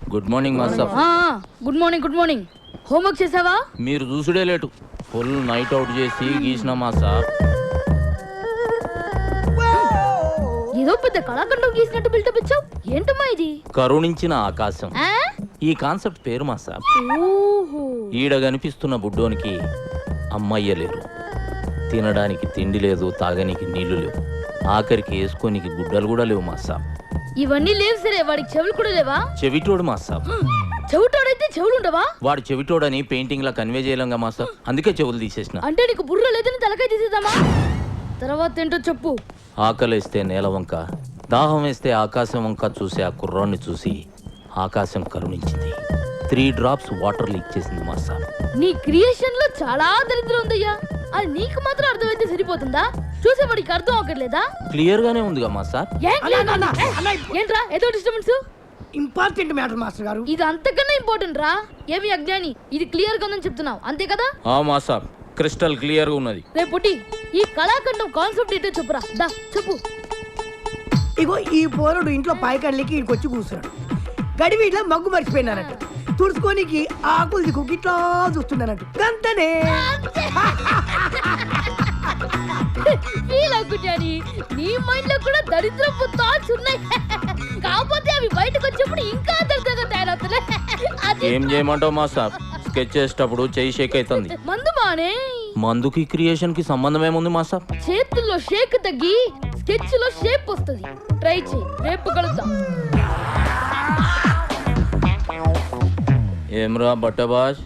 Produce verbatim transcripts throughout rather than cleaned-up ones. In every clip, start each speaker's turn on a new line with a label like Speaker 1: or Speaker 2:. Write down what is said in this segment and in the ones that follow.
Speaker 1: Good morning master.
Speaker 2: Good morning good morning. Homework చేసావా?
Speaker 1: మీరు చూసుడే లేటు. ఫుల్ నైట్ అవుట్ చేసి గీసిన మాస్టర్.
Speaker 2: ఏదో పెద్ద కళాఖండం గీసినట్టు బిల్డప్ ఇచ్చావు. ఏంటమ్మా ఇది?
Speaker 1: కరుణించిన ఆకాశం.
Speaker 2: ఆ?
Speaker 1: ఈ కాన్సెప్ట్ పేరు మాస్టర్.
Speaker 2: ఓహో.
Speaker 1: ఈడ కనిపిస్తున్న బుడ్డోనికి అమ్మయ్య లేరు, తినడానికి తిండి లేదు, తాగనికి నీళ్లు లేవు, ఆఖరికి వేసుకోనికి గుడ్డలు కూడా లేవు మాస్టర్.
Speaker 2: ఇవన్నీ లేవు సరే, వాడికి చెవులు కూడా లేవా?
Speaker 1: చెవిటోడు మాస్టర్.
Speaker 2: చెవిటోడైతే చెవులు ఉండవా?
Speaker 1: వాడు చెవిటోడని పెయింటింగ్ లా కన్వే చేయలేంగా మాస్టర్, అందుకే చెవులు తీసేసిన.
Speaker 2: అంటే నీకు బుర్ర లేదని తలకాయ తీసేద్దామా? తర్వాత ఏంటో చెప్పు.
Speaker 1: ఆకలేస్తే నేల వంక, దాహం వేస్తే ఆకాశం వంక చూసి ఆ కుర్రాన్ని చూసి ఆకాశం కరుణించింది. త్రీ డ్రాప్స్ వాటర్ లీక్ చేసింది మాస్టర్.
Speaker 2: నీ క్రియేషన్ లో చాలా దరిద్రం ఉందయ్యా. అది నీకు మాత్రం అర్థమైతే సరిపోతుందా? చూసేవాడికి అర్థం అవ్వట్లేదా?
Speaker 1: క్లియర్ గానే ఉందిగా మాస్టర్.
Speaker 2: ఏంట్రా ఏదో డిస్టర్బెన్స్?
Speaker 3: ఇంపార్టెంట్ మ్యాటర్ మాస్టర్ గారు.
Speaker 2: ఇది అంతకన్నా ఇంపార్టెంట్ రా. ఏమి అజ్ఞాని, ఇది క్లియర్ గా ఉందని చెప్తున్నావు అంతే కదా?
Speaker 1: ఆ మాస్టర్, క్రిస్టల్ క్లియర్ గా ఉన్నది.
Speaker 2: రేపు పుట్టి ఈ కళాఖండం కాన్సెప్ట్ ఏంటో చెప్పురా. దా చెప్పు.
Speaker 3: ఇగో ఈ పోరడు ఇంట్లో పాయకళ్ళకి ఇక్కడికి వచ్చి కూర్చున్నాడు. గడివి ఇట్లా మగ్గు మర్చిపోయినానంట. తుడుచుకోనికి ఆకులు దిక్కు ఇట్లా చూస్తున్నానంట. గంతనే
Speaker 2: ఫీల్ అవ్వకుని నీ మైండ్ లో కూడా దరిద్రపు థాట్స్ ఉన్నాయి. కాకపోతే అవి బయటకు వచ్చినప్పుడు ఇంకా దరిద్రంగా తయారవుతున్నాయి.
Speaker 1: ఏం చేయమంటావు మాస్టర్? స్కెచ్ చేసేటప్పుడు చెయ్యి షేక్ అవుతుంది.
Speaker 2: మందు మానే.
Speaker 1: మందుకి క్రియేషన్ కి సంబంధం ఏముంది మాస్టర్?
Speaker 2: చేతుల్లో షేక్ తగ్గి స్కెచ్ లో షేప్ వస్తుంది. ట్రై చేయి, రేపు కలుద్దాం.
Speaker 1: ఏమ్రా బట్టబాష్,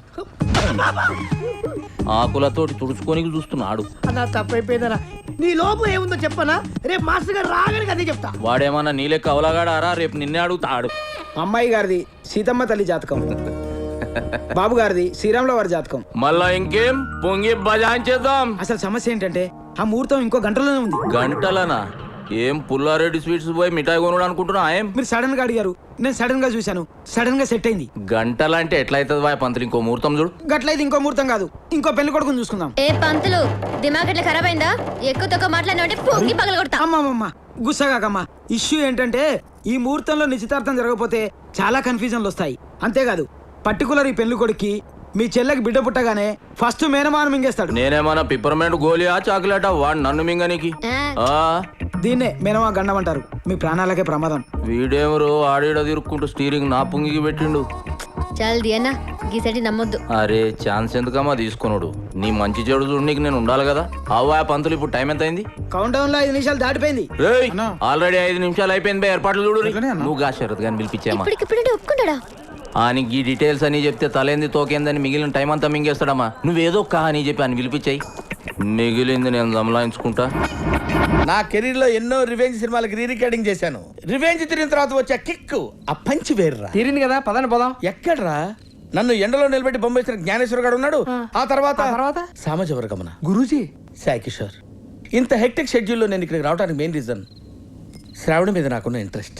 Speaker 1: ఆకులతోటి తుడుచుకోనికి చూస్తున్నాడు.
Speaker 3: అలా తప్పైపోయిందనా? నీ లోపు ఏముందో చెప్పనా? రేపు మాస్టర్ గారు రాగానే అదే చెప్తా.
Speaker 1: వాడేమన్నా నీలే కవలగాడారా? రేపు నిన్నే అడుగుతాడు.
Speaker 4: అమ్మాయి గారిది సీతమ్మ తల్లి జాతకం, బాబు గారిది శ్రీరాముల వారి జాతకం.
Speaker 1: మళ్ళా ఇంకేం పొంగి బజాయించేద్దాం.
Speaker 4: అసలు సమస్య ఏంటంటే ఆ ముహూర్తం ఇంకో గంటలోనే ఉంది.
Speaker 1: గంటలనా? ఏం పుల్లారెడ్డి స్వీట్స్ పోయి మిఠాయి కొనుడు అనుకుంటున్నా? ఏం
Speaker 4: మీరు సడన్ గా అడిగారు, నేను సడన్ గా చూశాను, సడన్ గా సెట్ అయింది.
Speaker 1: గంటలంటే ఎట్లయితుంది వాయ్ పంతులు? ఇంకో ముహూర్తం చూడు.
Speaker 4: గట్లయితే ఇంకో ముహూర్తం కాదు, ఇంకో పెళ్లి కొడుకుని చూసుకుందాం.
Speaker 5: ఏ పంతులు, దిమాగ్ ఎట్లా ఖరాబ్ అయిందా? ఎక్కువ తక్కువ మాట్లాడినా పొంగి పగల కొడతా.
Speaker 4: అమ్మమ్మమ్మ గుస్సాగాకమ్మా. ఇష్యూ ఏంటంటే ఈ ముహూర్తంలో నిశ్చితార్థం జరగకపోతే చాలా కన్ఫ్యూజన్లు వస్తాయి. అంతేకాదు పర్టికులర్ ఈ పెళ్లి కొడుక్కి మీ చెల్లెకి బిడ్డ పుట్టగానే ఫస్ట్ మేనమాన మింగేస్తాడు.
Speaker 1: నేనేమన్నా పిప్పర్మెంట్ గోలియా చాక్లెటా? వాడు నన్ను మింగనికి.
Speaker 4: దీన్నే మేనమా గండం అంటారు. మీ ప్రాణాలకే ప్రమాదం.
Speaker 1: వీడేమరు ఆడేడ తిరుక్కుంటూ స్టీరింగ్ నా పుంగికి పెట్టిండు.
Speaker 5: చల్ది అన్న గీసటి నమ్మొద్దు.
Speaker 1: అరే ఛాన్స్ ఎందుకమ్మా తీసుకున్నాడు? నీ మంచి చెడు చూడు, నీకు నేను ఉండాలి కదా. అవ్వా పంతులు, ఇప్పుడు టైం ఎంత అయింది?
Speaker 4: కౌంట్ డౌన్ లో ఐదు నిమిషాలు దాటిపోయింది.
Speaker 1: ఆల్రెడీ ఐదు నిమిషాలు అయిపోయింది. ఏర్పాట్లు చూడు. నువ్వు గా శరత్ గాని పిలిపించామా?
Speaker 5: ఇప్పటికిప్పుడు ఒప్పుకుంటాడా?
Speaker 1: అని ఈ డీటెయిల్స్ అని చెప్తే తలేంది తోకేందని మిగిలిన టైం అంతా మింగేస్తాడమ్మా. నువ్వేదో కా అని చెప్పి అని పిలిపించాయి. మిగిలింది నేను దమలాయించుకుంటా.
Speaker 6: నా కెరీర్ లో ఎన్నో రివెంజ్ సినిమాలకు రీ రికార్డింగ్ చేశాను. రివెంజ్ తిరిగిన తర్వాత వచ్చే కిక్ ఆ పంచి వేర్రా.
Speaker 4: తీరింది కదా, పదండి పోదాం.
Speaker 6: ఎక్కడ్రా? నన్ను ఎండలో నిలబెట్టి బొమ్మేసిన జ్ఞానేశ్వర గారు ఉన్నాడు. ఆ తర్వాత
Speaker 4: తర్వాత
Speaker 6: సామజవర గమన
Speaker 4: గురూజీ,
Speaker 6: సాయి కిషోర్. ఇంత హెక్టిక్ షెడ్యూల్లో నేను ఇక్కడికి రావడానికి మెయిన్ రీజన్ శ్రావణ మీద నాకున్న ఇంట్రెస్ట్.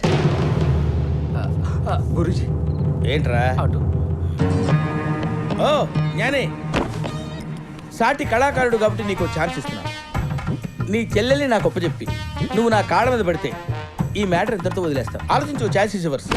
Speaker 4: గురూజీ
Speaker 6: ఏంట్రా? ఓ జ్ఞానే, సాటి కళాకారుడు కాబట్టి నీకు ఛాన్స్ ఇస్తున్నా. నీ చెల్లెల్ని నాకు ఒప్పచెప్పి నువ్వు నా కాళ్ళ మీద పడితే ఈ మ్యాటర్ ఇద్దరితో వదిలేస్తావు. ఆలోచించు. Chance is yours.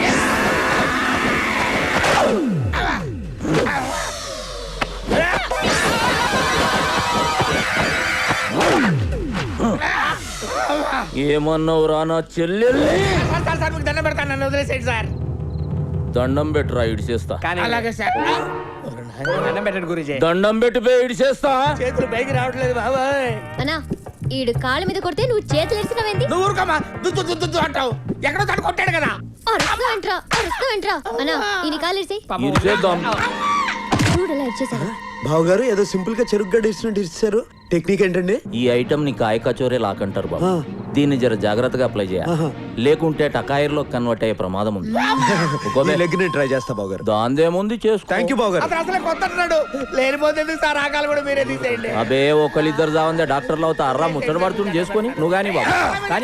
Speaker 1: ఏమన్నావు రా నా చెల్లెల్ని?
Speaker 6: దండం పెడతాను, నన్ను వదిలేసేయండి సార్.
Speaker 1: దండం పెట్టురా, ఇడిచేస్తా.
Speaker 6: అలాగే సార్.
Speaker 4: దండం పెట్టండి గురూజీ.
Speaker 1: దండం పెట్టిపోయి ఇడిచేస్తా.
Speaker 6: చేతులు పైకి రావట్లేదు బాబాయ్.
Speaker 5: అన్నా ఈడు కాళ్ళ మీద కొడితే నువ్వు చేతులు ఎరిసినవేంది?
Speaker 6: నువ్వు ఊరుకోమా, దుద్దు దుద్దు దుద్దు అంటావు. ఎక్కడో తడు కొట్టాడు కదా.
Speaker 5: అరుస్తూ ఎంట్రా, అరుస్తూ ఎంట్రా. అన్నా ఈయన కాళ్ళు ఎరిసి
Speaker 1: ఇడిచేద్దాం.
Speaker 5: చూడలా ఇచ్చేసాడు.
Speaker 7: బావగారు ఏదో సింపుల్ గా చెరుకు గడ్డ ఇచ్చినట్టు ఇచ్చారు. టెక్నిక్ ఏంటండి?
Speaker 1: ఈ ఐటమ్ ని కాయ కచోరే లాకంటారు బాబు. దీన్ని జర జాగ్రత్తగా అప్లై చేయాలి, లేకుంటే టకాయిర్లో కన్వర్ట్ అయ్యే ప్రమాదం ఉంది.
Speaker 7: లెగ్ ని ట్రై చేస్తా బావగారు.
Speaker 1: దాందేముంది చేసుకో.
Speaker 7: థ్యాంక్ యూ బావగారు.
Speaker 6: అతను అసలే కొత్త అంటున్నాడు. లేనిపోతే సార్ ఆకాలు కూడా మీరే తీసేయండి.
Speaker 1: అబే ఒకళ్ళిద్దరు జావందే డాక్టర్లు అవుతా అర్రా ముచ్చట పడుతుంది చేసుకొని నువ్వు కానీ బాబు కానీ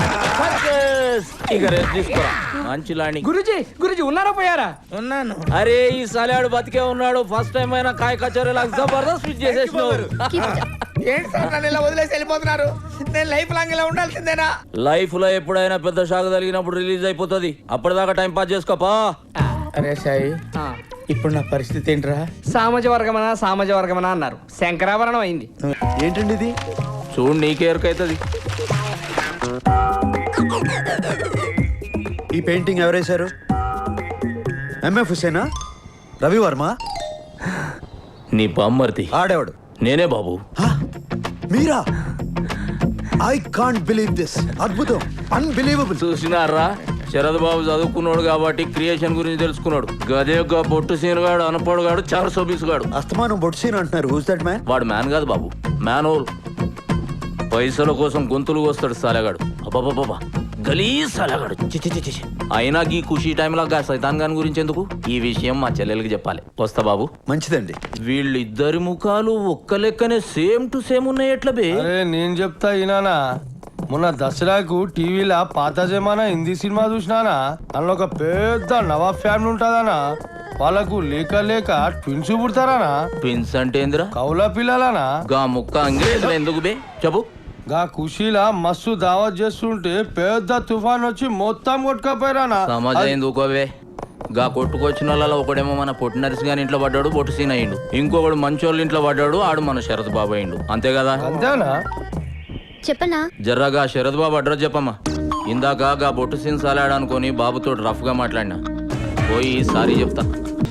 Speaker 1: ఇక రెస్ట్ తీసుకోరా. మంచి లాండి.
Speaker 4: గురూజీ గురూజీ ఉన్నారా పోయారా?
Speaker 6: ఉన్నాను.
Speaker 1: అరే ఈ సలాడు బతికే ఉన్నాడు. ఫస్ట్ టైం అయినా కాయ కచోరే లాగా జబర్దస్త్ స్విచ్ చేసేసినావు.
Speaker 6: ఏంటి సార్ నన్ను ఇలా వదిలేసి వెళ్ళిపోతున్నారు? నేను లైఫ్ లాంగ్ ఇలా ఉండాల్సిందేనా?
Speaker 1: లైఫ్ లో ఎప్పుడైనా పెద్ద షాక్ తగిలినప్పుడు రిలీజ్ అయిపోతుంది. అప్పటిదాకా టైం పాస్ చేసుకోపా.
Speaker 6: అరే సాయి ఇప్పుడు నా పరిస్థితి ఏంట్రా?
Speaker 8: సామాజ వర్గమనా సామాజ వర్గమనా అన్నారు, శంకరాభరణం అయింది.
Speaker 7: ఏంటండి ఇది?
Speaker 1: చూడు నీకే ఎరుకైతుంది.
Speaker 7: ఈ పెయింటింగ్ ఎవరేశారు? ఎంఎఫ్ హుసేనా? రవి వర్మ?
Speaker 1: నీ బామ్మర్ది
Speaker 7: ఆడేవాడు
Speaker 1: నేనే బాబు.
Speaker 7: హా? మీరా? I can't believe this. అద్భుతం, అన్బిలీవబుల్.
Speaker 1: చూసినారా, శరద్ బాబు చదువుకున్నాడు కాబట్టి క్రియేషన్ గురించి తెలుసుకున్నాడు. గదేగా బొట్టు సీనుగాడు, అనపడుగాడు, చారు సోబీసుగాడు.
Speaker 7: అస్తమానం బొట్సీన్ అంటున్నారు. Who's that man?
Speaker 1: వాడు మ్యాన్ కాదు బాబు, మ్యాన్ హోల్. పైసల కోసం గొంతులు కోస్తాడు సాలెగాడు. అబ్బాబాబా గలీజ్ సాలెగాడు. చిచి చిచి చి. అయినా ఈ ఖుషీ టైంలో గా సైతాన్ గాని గురించి ఎందుకు? ఈ విషయం మా చెల్లెలకి చెప్పాలి. వస్తా బాబు.
Speaker 7: మంచిదండి.
Speaker 1: వీళ్ళిద్దరి ముఖాలు ఒక్క లెక్కనే సేమ్ టు సేమ్ ఉన్నాయి. ఎట్లా బే?
Speaker 9: అరే నేను చెప్తా ఈనానా, మొన్న దసరాకు టీవీలో పాత జమానా హిందీ సినిమా చూసినానా, అందులో ఒక పెద్ద నవాబ్ ఫ్యామిలీ ఉంటుందనా, వాళ్ళకు లేక లేక ట్విన్స్ పుడతారానా?
Speaker 1: ట్విన్స్ అంటే ఏందిరా?
Speaker 9: కౌల పిల్లలనా?
Speaker 1: గా ముక్క అంగ్రేజులు ఎందుకు బే చెప్పు.
Speaker 9: గా ఖుషీలా మస్తు దావత్ చేస్తుంటే పెద్ద తుఫాన్ వచ్చి మొత్తం కొట్టుకపోయారానా?
Speaker 1: సమాజం ఎందుకోవే? గా కొట్టుకొచ్చిన వాళ్ళలో ఒకడేమో మన పొట్టి నరిసి గాని ఇంట్లో పడ్డాడు, బొట్టు సీన్ అయ్యిండు. ఇంకొకడు మంచోళ్ళ ఇంట్లో పడ్డాడు, ఆడు మన శరత్ బాబు అయ్యిండు. అంతే కదా?
Speaker 9: అంతేనా?
Speaker 5: చెప్పనా?
Speaker 1: జర్రాగా శరత్ బాబు అడ్రస్ చెప్పమ్మా. ఇందాక గా బొట్టు సీన్ సాలాడనుకొని బాబుతో రఫ్ గా మాట్లాడినా. పోయి సారీ చెప్తా.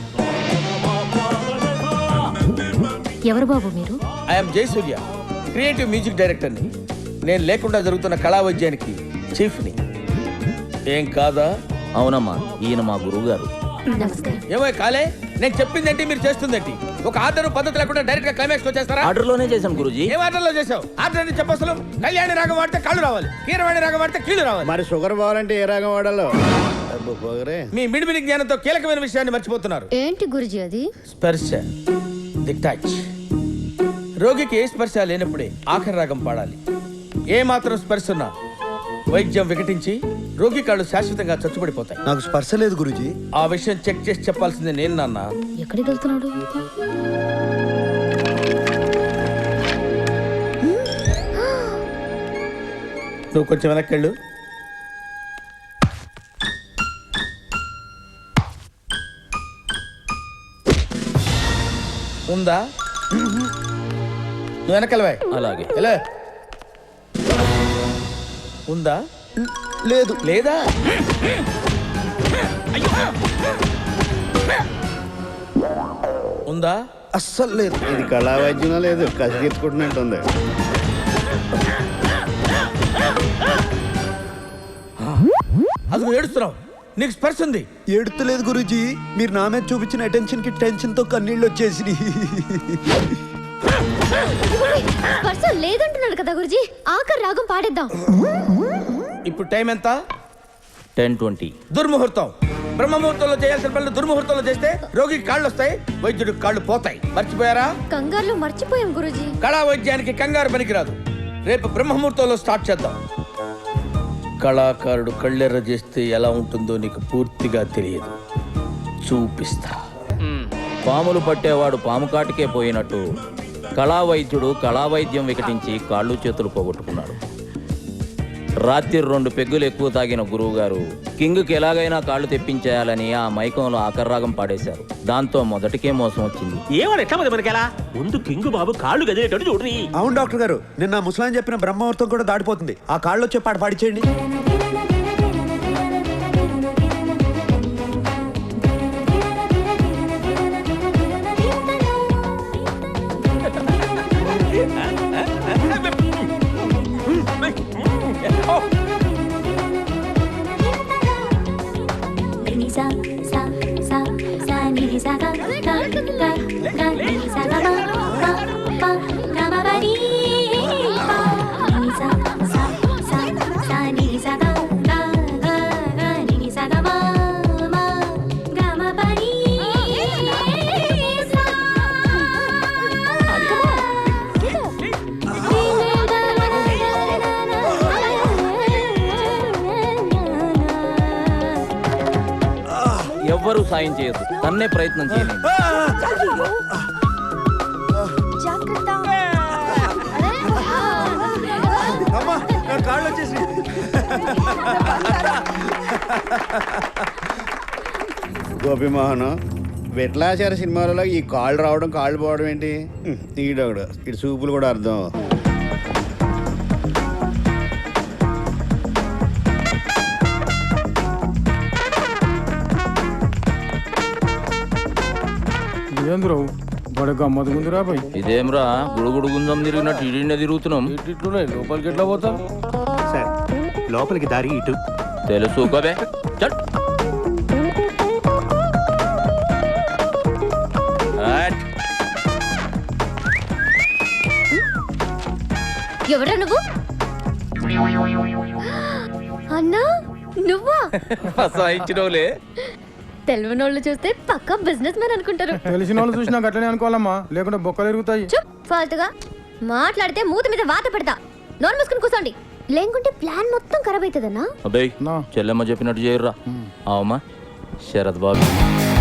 Speaker 2: ఎవరు బాబు మీరు?
Speaker 6: ఐఎమ్ జయసూర్య, క్రియేటివ్ మ్యూజిక్ డైరెక్టర్ని. నేను లేకుండా జరుగుతున్న కళా వైద్యానికి చీఫ్ని. ఏం కాదా?
Speaker 1: అవునమ్మా, ఈయన మా గురువు గారు.
Speaker 2: నమస్కారం.
Speaker 6: ఏమో కాలే, నేను చెప్పిందేంటి మీరు చేస్తుందేంటి? ఒక ఆర్డర్ పద్ధతి లేకుండా డైరెక్ట్ గా క్లైమాక్స్ వచ్చేస్తారా?
Speaker 1: ఆర్డర్ లోనే చేశాను గురూజీ.
Speaker 6: ఏం ఆర్డర్ లో చేసావు? ఆర్డర్ అని చెప్పసలు. కళ్యాణి రాగం వాడితే కాళ్ళు రావాలి, కీరవాణి రాగం వాడితే కీళ్ళు రావాలి.
Speaker 10: మరి షుగర్ పోవాలంటే ఏ రాగం వాడాలో?
Speaker 6: మీ మిడిమిడి జ్ఞానంతో కీలకమైన విషయాన్ని మర్చిపోతున్నారు.
Speaker 5: ఏంటి గురుజీ అది?
Speaker 6: స్పర్శ, ది టచ్. రోగికి ఏ స్పర్శ లేనప్పుడే ఆఖరి రాగం పాడాలి. ఏ మాత్రం స్పర్శ ఉన్నా వైద్యం వికటించి రోగి కాళ్ళు శాశ్వతంగా చచ్చుబడిపోతాయి.
Speaker 7: నాకు స్పర్శ లేదు గురూజీ.
Speaker 6: ఆ విషయం చెక్ చేసి చెప్పాల్సిందే నేను నాన్న.
Speaker 2: ఎక్కడికి వెళ్తున్నాడు?
Speaker 6: నువ్వు కొంచెం వెనక్కి వెళ్ళు. ఉందా? నువ్వు వెనకెళ్ళవా?
Speaker 1: అలాగే.
Speaker 6: ఎలా ఉందా?
Speaker 7: లేదు.
Speaker 6: లేదా? ఉందా?
Speaker 7: అస్సలు లేదు.
Speaker 10: ఇది కళా వైద్యం లేదు, కసి తీర్చుకుంటున్నట్టుంది.
Speaker 6: అది ఏడుస్తున్నావు, నీకు స్పర్శ ఉంది.
Speaker 7: ఏడుతలేదు గురూజీ. మీరు నా మీద చూపించిన అటెన్షన్ కి టెన్షన్ తో కన్నీళ్ళు వచ్చేసి.
Speaker 5: స్పర్శ లేదంటున్నాడు కదా గురుజీ, ఆఖరి రాగం పాడేద్దాం.
Speaker 6: ఇప్పుడు టైం ఎంత?
Speaker 1: Ten twenty.
Speaker 6: దుర్ముహూర్తం. బ్రహ్మముహూర్తంలో చేయాల్సిన పనులు దుర్ముహూర్తంలో చేస్తే రోగికి కాళ్ళు వస్తాయి, వైద్యుడికి కాళ్ళు పోతాయి. మర్చిపోయారా?
Speaker 5: కంగారులో మర్చిపోయాం గురుజీ.
Speaker 6: కళా వైద్యానికి కంగారు పనికిరాదు. రేపు బ్రహ్మముహూర్తంలో స్టార్ట్ చేద్దాం. కళాకారుడు కళ్ళెర్ర చేస్తే ఎలా ఉంటుందో నీకు పూర్తిగా తెలియదు. చూపిస్తా.
Speaker 1: పాములు పట్టేవాడు పాము కాటికే పోయినట్టు కళా వైద్యుడు కళా వైద్యం వికటించి కాళ్ళు చేతులు పోగొట్టుకున్నాడు. రాత్రి రెండు పెగ్గులు ఎక్కువ తాగిన గురువు గారు కింగ్కి ఎలాగైనా కాళ్ళు తెప్పించేయాలని ఆ మైకంలో ఆకర్రాగం పాడేశారు. దాంతో మొదటికే మోసం వచ్చింది.
Speaker 11: ముందు కింగు బాబు కాళ్ళు గదిలేటట్టు చూడ్రి.
Speaker 7: అవును డాక్టర్ గారు, నిన్న ముసలాన్ చెప్పిన బ్రహ్మముహూర్తం కూడా దాటిపోతుంది. ఆ కాళ్ళు వచ్చే పాట పాడిచేయండి.
Speaker 1: ఎవ్వరూ సాయం చేయదు, తన్నే ప్రయత్నం చేయలేదు.
Speaker 7: అమ్మా, నా కాళ్ళు వచ్చేసి.
Speaker 10: గోపిమోహన్ విట్లాచార సినిమాలలో ఈ కాళ్ళు రావడం కాళ్ళు పోవడం ఏంటి హ్మ్, ఈడొకడు ఇటు చూపులు కూడా అర్థం.
Speaker 9: ఏంద్రో బడే గమ్మత్ ముందురా పోయి
Speaker 1: ఇదేమ్రా గుడుగుడు గుంజం తిరిగినట్టు ఇడినే తిరుగుతున్నాం.
Speaker 9: ఇట్లున్నాయి లోపలికి ఎట్లా పోతాం?
Speaker 11: సార్ లోపలికి దారి ఇటు.
Speaker 1: తెలుసు కబే చట్. హట్.
Speaker 5: ఎవరా నువ్వు? అన్నా నువ్వా?
Speaker 1: ఫసాయించినోలే.
Speaker 5: తెలియనోళ్ళు చూస్తే పక్కా బిజినెస్ మ్యాన్ అనుకుంటారు.
Speaker 9: తెలిసిన వాళ్ళు చూసినా గట్లనే అనుకోవాలమ్మా, లేకుంటే బొక్కలు ఎరుగుతాయి.
Speaker 5: చుప్ ఫాల్తుగా మాట్లాడితే మూతి మీద వాత పెడతా. నోరు మూసుకుని కూర్చోండి, లేకుంటే ప్లాన్ మొత్తం ఖరాబ్ అవుతుందన్నా.
Speaker 1: అబ్బాయి చెల్లెమ్మ చెప్పినట్టు చేయర్రా. అవమ్మా శరత్ బాబు